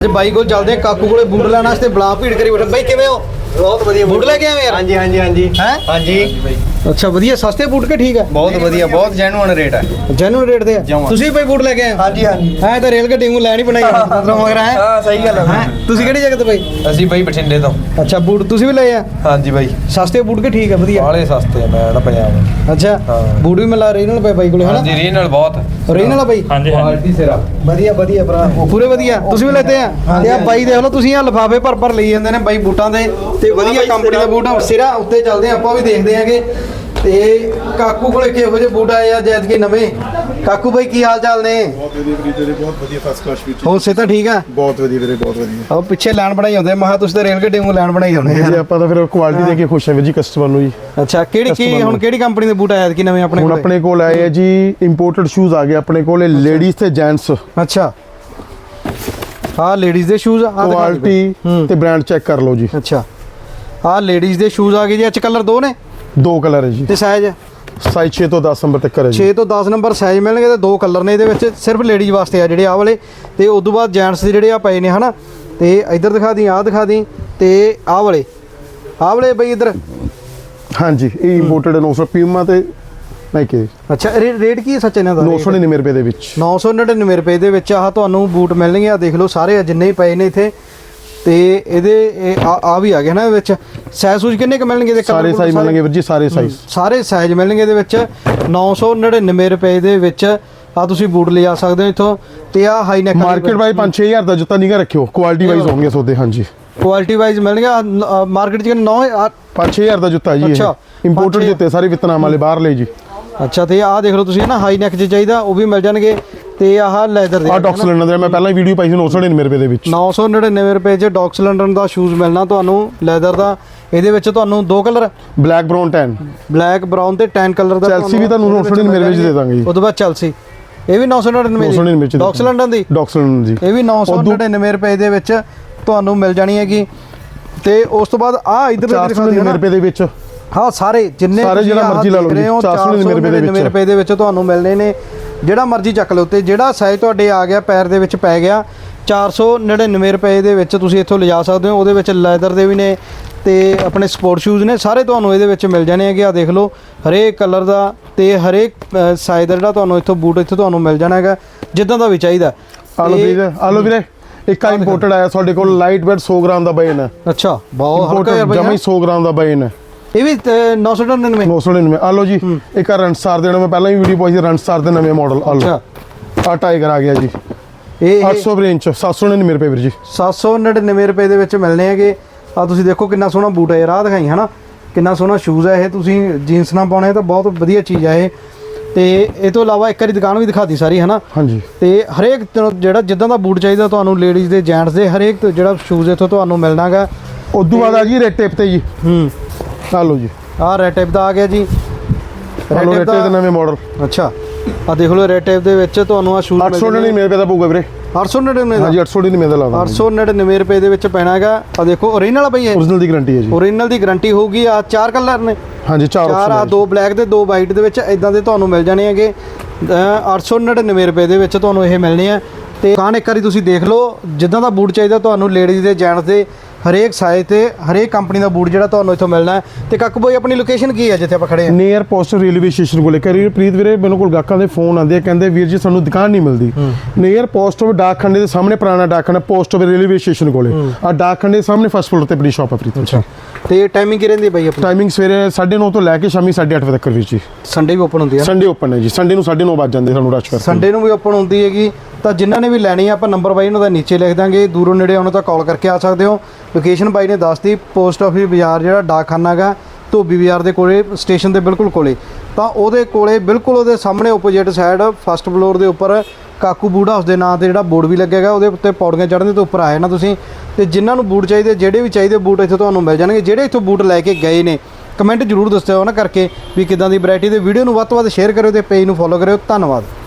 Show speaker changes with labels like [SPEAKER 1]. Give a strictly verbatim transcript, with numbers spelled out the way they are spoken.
[SPEAKER 1] ਬਾਈ ਕੋਲ ਚੱਲਦੇ ਕਾਕੂ ਕੋਲੇ ਬੂਟ ਲੈਣ ਵਾਸਤੇ ਬਲਾ ਭੀੜ ਕਰੀ ਬੈਠੇ। ਬਾਈ ਕਿਵੇਂ ਹੋ?
[SPEAKER 2] बहुत वधिया
[SPEAKER 1] बूट लेके आए यार?
[SPEAKER 2] हाँ जी हाँ जी हाँ जी
[SPEAKER 1] हैं?
[SPEAKER 2] हाँ जी
[SPEAKER 1] अच्छा वधिया सस्ते बूट के ठीक है
[SPEAKER 2] बहुत वधिया बहुत जेन्युइन रेट है
[SPEAKER 1] जेन्युइन रेट दे ਤੁਸੀਂ ਭਾਈ ਬੂਟ ਲੈ ਕੇ ਆਏ?
[SPEAKER 2] हाँ जी हाँ जी
[SPEAKER 1] ਹਾਂ ਤਾਂ ਰੇਲ ਗੱਡੀ ਨੂੰ ਲੈਣ ਹੀ ਬਣਾਈ ਮਤਲਬ ਮਗਰ ਹੈ।
[SPEAKER 2] हाँ सही गल है।
[SPEAKER 1] ਤੁਸੀਂ ਕਿਹੜੀ ਜਗ੍ਹਾ ਤੋਂ ਭਾਈ?
[SPEAKER 2] ਅਸੀਂ ਬਾਈ ਬਠਿੰਡੇ ਤੋਂ।
[SPEAKER 1] ਅੱਛਾ ਬੂਟ ਤੁਸੀਂ ਵੀ ਲਏ ਆ?
[SPEAKER 2] हाँ जी ਬਾਈ
[SPEAKER 1] ਸਸਤੇ ਬੂਟ ਕੇ ਠੀਕ ਹੈ ਵਧੀਆ?
[SPEAKER 2] ਬਾਲੇ ਸਸਤੇ ਮੈਂ ਨਾ ਪੰਜਾਬ।
[SPEAKER 1] ਅੱਛਾ ਬੂਟ ਵੀ ਮਿਲਾ ਰੀਨਲ ਪਏ ਬਾਈ ਕੋਲੇ ਹੈ ਨਾ?
[SPEAKER 2] हाँ जी ਰੀਨਲ बहुत
[SPEAKER 1] ਰੀਨਲ ਬਾਈ
[SPEAKER 2] क्वालिटी सिरा
[SPEAKER 1] ਵਧੀਆ ਵਧੀਆ ਭਰਾ ਪੂਰੇ ਵਧੀਆ। ਤੁਸੀਂ ਵੀ ਲੈਤੇ ਆ? ਤੇ ਆ ਬਾਈ ਦੇਖ ਲਓ ਤੁਸੀਂ ਆ ਲਿਫਾਫੇ ਭਰ ਭਰ ਲਈ ਜਾਂਦੇ ਨੇ ਬਾਈ ਬੂਟਾਂ ਦੇ ਤੇ ਵਧੀਆ ਕੰਪਨੀ ਦਾ ਬੂਟ ਸਿਰਾ ਉੱਤੇ ਚੱਲਦੇ ਆ ਆਪਾਂ ਵੀ ਦੇਖਦੇ ਆਂਗੇ। ਤੇ ਕਾਕੂ ਕੋਲੇ ਕਿਹੋ ਜਿਹੇ ਬੂਟ ਆਏ ਆ ਜੈਦ ਕੇ ਨਵੇਂ? ਕਾਕੂ ਬਾਈ ਕੀ ਹਾਲ ਚਾਲ ਨੇ?
[SPEAKER 3] ਬਹੁਤ ਵਧੀਆ ਵੀਰੇ ਤੇਰੇ ਬਹੁਤ ਵਧੀਆ ਫਸਟ ਕਲਾਸ ਵਿੱਚ
[SPEAKER 1] ਹੋਰ ਸੇ ਤਾਂ ਠੀਕ ਆ?
[SPEAKER 3] ਬਹੁਤ ਵਧੀਆ ਵੀਰੇ ਬਹੁਤ ਵਧੀਆ।
[SPEAKER 1] ਉਹ ਪਿੱਛੇ ਲਾਈਨ ਬਣਾਈ ਹੁੰਦੇ ਮਹਾ ਤੁਸੀਂ ਤਾਂ ਰੇਲ ਗੱਡੀ ਨੂੰ ਲਾਈਨ ਬਣਾਈ ਹੁੰਦੇ
[SPEAKER 3] ਜੀ ਆਪਾਂ ਤਾਂ ਫਿਰ ਕੁਆਲਿਟੀ ਦੇ ਕੇ ਖੁਸ਼ ਹਾਂ ਵੀਰ ਜੀ ਕਸਟਮਰ ਨੂੰ ਜੀ।
[SPEAKER 1] ਅੱਛਾ ਕਿਹੜੀ ਕੀ ਹੁਣ ਕਿਹੜੀ ਕੰਪਨੀ ਦੇ ਬੂਟ ਆਏ ਕਿ ਨਵੇਂ ਆਪਣੇ
[SPEAKER 3] ਹੁਣ
[SPEAKER 1] ਕੋਲ?
[SPEAKER 3] ਆਪਣੇ ਕੋਲ ਆਏ ਆ ਜੀ ਇੰਪੋਰਟਡ ਸ਼ੂਜ਼ ਆ ਗਏ ਆਪਣੇ ਕੋਲੇ ਲੇਡੀਜ਼ ਤੇ ਜੈਂਟਸ।
[SPEAKER 1] ਅੱਛਾ ਆ ਲੇਡੀਜ਼ ਦੇ ਸ਼ੂਜ਼ ਆ
[SPEAKER 3] ਕੁਆਲਿਟੀ ਤੇ ਬ੍ਰਾਂਡ ਚੈੱਕ ਕਰ ਲਓ ਜੀ।
[SPEAKER 1] ਅੱਛਾ ਆ ਲੇਡੀਜ਼ ਦੇ ਸ਼ੂਜ਼ ਆ ਗਏ ਜੀ। ਅੱਜ ਕਲਰ ਦੋ ਨੇ?
[SPEAKER 3] ਦੋ ਕਲਰ ਹੈ ਜੀ
[SPEAKER 1] ਤੇ ਸਾਈਜ਼
[SPEAKER 3] ਸਾਈਜ਼ ਛੇ ਤੋਂ ਦਸ ਨੰਬਰ ਤੱਕ ਹੈ ਜੀ।
[SPEAKER 1] ਛੇ ਤੋਂ ਦਸ ਨੰਬਰ ਸਾਈਜ਼ ਮਿਲਣਗੇ ਤੇ ਦੋ ਕਲਰ ਨੇ ਇਹਦੇ ਵਿੱਚ ਸਿਰਫ ਲੇਡੀਜ਼ ਵਾਸਤੇ ਆ ਜਿਹੜੇ ਆਹ ਵਾਲੇ। ਤੇ ਉਸ ਤੋਂ ਬਾਅਦ ਜੈਂਟਸ ਦੇ ਜਿਹੜੇ ਆ ਪਏ ਨੇ ਹਨਾ। ਤੇ ਇੱਧਰ ਦਿਖਾ ਦੀ ਆਹ ਦਿਖਾ ਦੀ ਤੇ ਆਹ ਵਾਲੇ ਆਹ ਵਾਲੇ ਬਈ ਇੱਧਰ।
[SPEAKER 3] ਹਾਂਜੀ ਇਹ ਇੰਪੋਰਟਡ ਨੌ ਸੌ ਪੀਮਾ ਤੇ ਨਹੀਂ ਕਿ
[SPEAKER 1] ਅੱਛਾ ਰੇਟ ਕੀ ਹੈ ਸੱਚ ਇਹਨਾਂ ਦਾ?
[SPEAKER 3] ਨੌ ਸੌ ਨੜਿਨਵੇਂ ਰੁਪਏ ਦੇ ਵਿੱਚ
[SPEAKER 1] ਨੌ ਸੌ ਨੜਿਨਵੇਂ ਰੁਪਏ ਦੇ ਵਿੱਚ ਆਹ ਤੁਹਾਨੂੰ ਬੂਟ ਮਿਲਣਗੇ। ਆ ਦੇਖ ਲਓ ਸਾਰੇ ਜਿੰਨੇ ਹੀ ਪਏ ਨੇ ਇੱਥੇ। ਤੇ ਇਹਦੇ ਆ ਵੀ ਆ ਗਏ ਨਾ ਵਿੱਚ ਸਾਈਜ਼ ਸੂਜ ਕਿੰਨੇ ਕ ਮਿਲਣਗੇ ਇਹਦੇ?
[SPEAKER 3] ਸਾਰੇ ਸਾਈਜ਼ ਮਿਲਣਗੇ ਵੀਰ ਜੀ ਸਾਰੇ ਸਾਈਜ਼
[SPEAKER 1] ਸਾਰੇ ਸਾਈਜ਼ ਮਿਲਣਗੇ ਇਹਦੇ ਵਿੱਚ। ਨੌ ਸੌ ਨੜਿਨਵੇਂ ਰੁਪਏ ਦੇ ਵਿੱਚ ਆ ਤੁਸੀਂ ਬੂਟ ਲਿਜਾ ਸਕਦੇ ਹੋ ਇੱਥੋਂ। ਤੇ ਆ ਹਾਈ ਨੈਕ
[SPEAKER 3] ਮਾਰਕੀਟ ਵਾਈਜ਼ ਪੰਜ ਛੇ ਹਜ਼ਾਰ ਦਾ ਜੁੱਤਾ ਨਹੀਂ ਗਾ ਰੱਖਿਓ ਕੁਆਲਿਟੀ ਵਾਈਜ਼ ਹੋਣਗੇ ਸੌਦੇ। ਹਾਂਜੀ
[SPEAKER 1] ਕੁਆਲਿਟੀ ਵਾਈਜ਼ ਮਿਲਣਗੇ ਮਾਰਕੀਟ 'ਚ ਨੌ
[SPEAKER 3] ਪੰਜ ਛੇ ਹਜ਼ਾਰ ਦਾ ਜੁੱਤਾ ਜੀ।
[SPEAKER 1] ਅੱਛਾ
[SPEAKER 3] ਇੰਪੋਰਟਡ ਜੁੱਤੇ ਸਾਰੇ ਵਿਤਨਾਮ ਵਾਲੇ ਬਾਹਰ ਲੈ ਜੀ।
[SPEAKER 1] ਅੱਛਾ ਤੇ ਆਹ ਦੇਖ ਲਓ ਤੁਸੀਂ ਨਾ ਹਾਈ ਨੈਕ 'ਚ ਚਾਹੀਦਾ ਉਹ ਵੀ ਮਿਲ ਜਾਣਗੇ। ਤੇ ਆਹ ਲੈਦਰ ਦੇ
[SPEAKER 3] ਆ ਡੌਕ ਸਿਲੰਡਰ ਦੇ ਮੈਂ ਪਹਿਲਾਂ ਹੀ ਵੀਡੀਓ ਪਾਈ ਸੀ ਨੌ ਸੌ ਨੜਿਨਵੇਂ ਰੁਪਏ ਦੇ ਵਿੱਚ।
[SPEAKER 1] ਨੌ ਸੌ ਨੜਿਨਵੇਂ ਰੁਪਏ 'ਚ ਡੌਕ ਸਿਲੰਡਰ ਦਾ ਸ਼ੂਜ਼ ਮਿਲਣਾ ਤੁਹਾਨੂੰ ਲੈਦਰ ਦਾ। ਇਹਦੇ ਵਿੱਚ ਤੁਹਾਨੂੰ ਦੋ colour
[SPEAKER 3] black brown tan
[SPEAKER 1] black brown ਤੇ ਟੈਨ ਕਲਰ ਦਾ।
[SPEAKER 3] ਚੈਲਸੀ ਵੀ ਤੁਹਾਨੂੰ ਨੌ ਸੌ ਨੜਿਨਵੇਂ ਰੁਪਏ 'ਚ ਦੇ ਦਾਂਗੇ ਜੀ।
[SPEAKER 1] ਉਸ ਤੋਂ ਬਾਅਦ ਚੈਲਸੀ ਇਹ ਵੀ ਨੌ ਸੌ ਨੜਿਨਵੇਂ ਦੀ ਡੌਕ ਸਿਲੰਡਰ ਦੀ
[SPEAKER 3] ਡੌਕ ਸਿਲੰਡਰ ਜੀ
[SPEAKER 1] ਇਹ ਵੀ ਨੌ ਸੌ ਨੜਿਨਵੇਂ ਰੁਪਏ ਦੇ ਵਿੱਚ ਤੁਹਾਨੂੰ ਮਿਲ ਜਾਣੀ ਹੈਗੀ। ਤੇ ਉਸ ਤੋਂ ਬਾਅਦ ਆ ਇਧਰ
[SPEAKER 3] ਚਾਰ ਸੌ ਨੜਿਨਵੇਂ ਰੁਪਏ ਦੇ ਵਿੱਚ
[SPEAKER 1] ਹਾਂ ਸਾਰੇ ਜਿੰਨੇ
[SPEAKER 3] ਸਾਰੇ ਜਿਹੜਾ ਮਰਜ਼ੀ ਲਾ ਲਓ
[SPEAKER 1] ਚਾਰ ਸੌ ਨੜਿਨਵੇਂ ਰੁਪਏ ਦੇ ਵਿੱਚ ਤੁਹਾਨੂੰ ਮਿਲਣੇ ਨੇ। ਜਿਹੜਾ ਮਰਜ਼ੀ ਚੱਕ ਲਓ ਤੇ ਜਿਹੜਾ ਸਾਈਜ਼ ਤੁਹਾਡੇ ਆ ਗਿਆ ਪੈਰ ਦੇ ਵਿੱਚ ਪੈ ਗਿਆ ਚਾਰ ਸੌ ਨੜਿਨਵੇਂ ਰੁਪਏ ਦੇ ਵਿੱਚ ਤੁਸੀਂ ਇੱਥੋਂ ਲਿਜਾ ਸਕਦੇ ਹੋ। ਉਹਦੇ ਵਿੱਚ ਲੈਦਰ ਦੇ ਵੀ ਨੇ ਤੇ ਆਪਣੇ ਸਪੋਰਟ ਸ਼ੂਜ਼ ਨੇ ਸਾਰੇ ਤੁਹਾਨੂੰ ਇਹਦੇ ਵਿੱਚ ਮਿਲ ਜਾਣੇ ਹੈਗੇ। ਆ ਦੇਖ ਲਓ ਹਰੇਕ ਕਲਰ ਦਾ ਤੇ ਹਰੇਕ ਸਾਈਜ਼ ਦਾ ਜਿਹੜਾ ਤੁਹਾਨੂੰ ਇੱਥੋਂ ਬੂਟ ਇੱਥੋਂ ਤੁਹਾਨੂੰ ਮਿਲ ਜਾਣਾ ਹੈਗਾ ਜਿੱਦਾਂ ਦਾ ਵੀ ਚਾਹੀਦਾ।
[SPEAKER 3] ਆਲੋ ਵੀਰੇ ਆਲੋ ਵੀਰੇ ਇੱਕ ਆ ਇੰਪੋਰਟਡ ਆਇਆ ਸਾਡੇ ਕੋਲ ਲਾਈਟ ਵੇਟ ਸੌ ਗ੍ਰਾਮ ਦਾ ਬੈਨ ਹੈ।
[SPEAKER 1] ਅੱਛਾ ਬਹੁਤ ਹਲਕਾ ਯਾਰ
[SPEAKER 3] ਜਮਾ ਹੀ ਸੌ ਗ੍ਰਾਮ ਦਾ ਬੈਨ ਹੈ।
[SPEAKER 1] ਇਹ ਵੀ ਨੌ ਸੌ ਨੜਿਨਵੇਂ
[SPEAKER 3] ਨੌ ਸੌ ਨੜਿਨਵੇਂ ਆਲੋ ਜੀ। ਇੱਕ ਆ ਰਣਸਾਰ ਦੇ ਮੈਂ ਪਹਿਲਾਂ ਹੀ ਵੀਡੀਓ ਪਾਈ ਸੀ ਰਣਸਾਰ ਦੇ ਨਵੇਂ ਮਾਡਲ ਆਲੋ ਆ ਟਾਈਗਰ ਆ ਗਿਆ ਜੀ। ਇਹ ਅੱਠ ਸੌ ਰੇਂਜ ਸੱਤ ਸੌ ਨੜਿਨਵੇਂ ਰੁਪਏ ਵੀਰ ਜੀ।
[SPEAKER 1] ਸੱਤ ਸੌ ਨੜਿਨਵੇਂ ਰੁਪਏ ਦੇ ਵਿੱਚ ਮਿਲਣੇ ਹੈਗੇ। ਆ ਤੁਸੀਂ ਦੇਖੋ ਕਿੰਨਾ ਸੋਹਣਾ ਬੂਟ ਹੈ ਯਾਰ। ਆਹ ਦਿਖਾਈ ਹਨਾ ਕਿੰਨਾ ਸੋਹਣਾ ਸ਼ੂਜ਼ ਹੈ ਇਹ। ਤੁਸੀਂ ਜੀਨਸ ਨਾਲ ਪਾਉਣੇ ਤਾਂ ਬਹੁਤ ਵਧੀਆ ਚੀਜ਼ ਹੈ ਇਹ। ਤੇ ਇਹ ਤੋਂ ਇਲਾਵਾ ਇੱਕ ਵਾਰੀ ਦੁਕਾਨ ਵੀ ਦਿਖਾਤੀ ਸਾਰੀ ਹਨਾ।
[SPEAKER 3] ਹਾਂਜੀ ਤੇ
[SPEAKER 1] ਹਰੇਕ ਜਿਹੜਾ ਜਿੱਦਾਂ ਦਾ ਬੂਟ ਚਾਹੀਦਾ ਤੁਹਾਨੂੰ ਲੇਡੀਜ਼ ਦੇ ਜੈਂਟਸ ਦੇ ਹਰੇਕ ਜਿਹੜਾ ਸ਼ੂਜ਼ ਇੱਥੋਂ ਤੁਹਾਨੂੰ ਮਿਲਣਾ ਗਾ।
[SPEAKER 3] ਉਦੋਂ ਬਾਅਦ ਆ ਜੀ ਰੈਡ ਟੇਪ ਤੇ ਜੀ। ਹੂੰ ਆ ਲਓ ਜੀ ਆਹ
[SPEAKER 1] ਰੈਡ ਟੇਪ ਦਾ ਆ ਗਿਆ ਜੀ।
[SPEAKER 3] ਰੈਡ ਟੇਪ ਦੇ ਨਵੇਂ ਮਾਡਲ।
[SPEAKER 1] ਅੱਛਾ ਆ ਦੇਖ ਲਓ ਰੈਡ ਟੇਪ ਦੇ ਵਿੱਚ ਤੁਹਾਨੂੰ ਆ ਸ਼ੂਜ਼
[SPEAKER 3] ਅੱਠ ਸੌ ਨੜਿਨਵੇਂ ਰੁਪਏ ਦਾ ਪਊਗਾ ਵੀਰੇ।
[SPEAKER 1] ਅੱਠ ਸੌ ਨੜਿਨਵੇਂ ਦਾ?
[SPEAKER 3] ਹਾਂਜੀ ਅੱਠ ਸੌ ਨੜਿਨਵੇਂ ਦਾ ਲਾਦਾ।
[SPEAKER 1] ਅੱਠ ਸੌ ਨੜਿਨਵੇਂ ਰੁਪਏ ਦੇ ਵਿੱਚ ਪੈਣਾ ਹੈਗਾ। ਆ ਦੇਖੋ ਓਰੀਜਨਲ ਬਈ ਇਹ
[SPEAKER 3] ਓਰੀਜਨਲ ਦੀ ਗਾਰੰਟੀ ਹੈ ਜੀ।
[SPEAKER 1] ਓਰੀਜਨਲ ਦੀ ਗਾਰੰਟੀ ਹੋਊਗੀ। ਆ ਚਾਰ ਕਲਰ ਨੇ?
[SPEAKER 3] ਹਾਂਜੀ ਚਾਰ
[SPEAKER 1] ਚਾਰ ਆ ਦੋ ਬਲੈਕ ਤੇ ਦੋ ਵਾਈਟ ਦੇ ਵਿੱਚ ਇਦਾਂ ਦੇ ਤੁਹਾਨੂੰ ਮਿਲ ਜਾਣੇ ਹੈਗੇ। ਅੱਠ ਸੌ ਨੜਿਨਵੇਂ ਰੁਪਏ ਦੇ ਵਿੱਚ ਤੁਹਾਨੂੰ ਇਹ ਮਿਲਣੇ ਆ। ਤੇ ਦੁਕਾਨ ਇੱਕ ਵਾਰੀ ਤੁਸੀਂ ਦੇਖ ਲਓ ਜਿੱਦਾਂ ਦਾ ਬੂਟ ਚਾਹੀਦਾ ਤੁਹਾਨੂੰ ਲੇਡੀਜ਼ ਦੇ ਜੈਂਟਸ ਦੇ ਹਰੇਕ ਸਾਈਜ਼ ਤੇ ਹਰੇਕ ਕੰਪਨੀ ਦਾ ਬੂਟ ਜਿਹੜਾ ਤੁਹਾਨੂੰ ਇੱਥੋਂ ਮਿਲਣਾ ਹੈ। ਤੇ ਕਾਕੂ ਬਾਈ ਆਪਣੀ ਲੋਕੇਸ਼ਨ ਕੀ ਹੈ ਜਿੱਥੇ ਆਪਾਂ ਖੜੇ ਹਾਂ?
[SPEAKER 3] ਨੀਅਰ ਪੋਸਟ ਰੇਲਵੇ ਸਟੇਸ਼ਨ ਕੋਲੇ। ਕਰੀ ਪ੍ਰੀਤ ਵੀਰੇ ਮੈਨੂੰ ਕੋਲ ਗਾਹਕਾਂ ਦੇ ਫੋਨ ਆਉਂਦੇ ਆ ਕਹਿੰਦੇ ਵੀਰ ਜੀ ਸਾਨੂੰ ਦੁਕਾਨ ਨਹੀਂ ਮਿਲਦੀ। ਨੀਅਰ ਪੋਸਟ ਆਫ ਡਾਕਖਾਨੇ ਦੇ ਸਾਹਮਣੇ ਪੁਰਾਣਾ ਡਾਕਖਾਨਾ ਪੋਸਟ ਆਫ ਰੇਲਵੇ ਸਟੇਸ਼ਨ ਕੋਲੇ ਆ ਡਾਕਖਾਨੇ ਦੇ ਸਾਹਮਣੇ ਫਸਟ ਫਲੋਰ ਤੇ ਆਪਣੀ ਸ਼ਾਪ ਆ ਪ੍ਰੀਤ। ਅੱਛਾ
[SPEAKER 1] ਤੇ ਟਾਈਮਿੰਗ ਕੀ ਰਹਿੰਦੀ ਬਾਈ ਆਪਣੀ?
[SPEAKER 3] ਟਾਈਮਿੰਗ ਸਵੇਰੇ ਸਾਢੇ ਨੌ ਤੋਂ ਲੈ ਕੇ ਸ਼ਾਮੀ ਸਾਢੇ ਅੱਠ ਵਜੇ ਤੱਕ ਵੀਰ ਜੀ।
[SPEAKER 1] ਸੰਡੇ ਵੀ ਓਪਨ ਹੁੰਦੀ ਹੈ?
[SPEAKER 3] ਸੰਡੇ ਓਪਨ ਹੈ ਜੀ। ਸੰਡੇ ਨੂੰ ਸਾਢੇ ਨੌ ਵੱਜ ਜਾਂਦੇ ਸਾਨੂੰ ਰਸ਼ ਕਰਕੇ।
[SPEAKER 1] ਸੰਡੇ ਨੂੰ ਵੀ ਓਪਨ ਹੁੰਦੀ ਹੈਗੀ। ਤਾਂ ਜਿਨ੍ਹਾਂ ਨੇ ਵੀ ਲੈਣੀ ਆ ਆਪਾਂ ਨੰਬਰ ਬਾਈ ਉਹਨਾਂ ਦਾ ਨੀਚੇ ਲਿਖ ਦਾਂਗੇ। ਦੂਰੋਂ ਨੇੜੇ ਆਉਣਾ ਤਾਂ ਕਾਲ ਕਰਕੇ ਆ ਸਕਦੇ ਹੋ। ਲੋਕੇਸ਼ਨ ਬਾਈ ਨੇ ਦੱਸਤੀ ਪੋਸਟ ਆਫਿਸ ਬਾਜ਼ਾਰ ਜਿਹੜਾ ਡਾਕਖਾਨਾ ਹੈਗਾ ਧੋਬੀ ਬਾਜ਼ਾਰ ਦੇ ਕੋਲੇ ਸਟੇਸ਼ਨ ਦੇ ਬਿਲਕੁਲ ਕੋਲੇ। ਤਾਂ ਉਹਦੇ ਕੋਲੇ ਬਿਲਕੁਲ ਉਹਦੇ ਸਾਹਮਣੇ ਓਪੋਜਿਟ ਸਾਈਡ ਫਸਟ ਫਲੋਰ ਦੇ ਉੱਪਰ ਕਾਕੂ ਬੂਟ ਹਾਊਸ ਦੇ ਨਾਂ ਤੇ ਜਿਹੜਾ ਬੋਰਡ ਵੀ ਲੱਗੇਗਾ ਉਹਦੇ ਉੱਤੇ ਪੌੜੀਆਂ ਚੜ੍ਹਨ ਦੇ ਉੱਪਰ ਆਏ ਨਾ ਤੁਸੀਂ। ਤੇ ਜਿਨ੍ਹਾਂ ਨੂੰ ਬੂਟ ਚਾਹੀਦੇ ਜਿਹੜੇ ਵੀ ਚਾਹੀਦੇ ਬੂਟ ਇੱਥੇ ਤੁਹਾਨੂੰ ਮਿਲ ਜਾਣਗੇ। ਜਿਹੜੇ ਇੱਥੋਂ ਬੂਟ ਲੈ ਕੇ ਗਏ ਨੇ ਕਮੈਂਟ ਜ਼ਰੂਰ ਦੱਸਿਓ ਨਾ ਕਰਕੇ ਵੀ ਕਿੱਦਾਂ ਦੀ ਵੈਰਾਈਟੀ ਦੇ। ਵੀਡੀਓ ਨੂੰ ਵੱਧ ਤੋਂ ਵੱਧ ਸ਼ੇਅਰ ਕਰਿਓ ਤੇ ਪੇਜ ਨੂੰ ਫੋਲੋ ਕਰਿਓ। ਧੰਨਵਾਦ।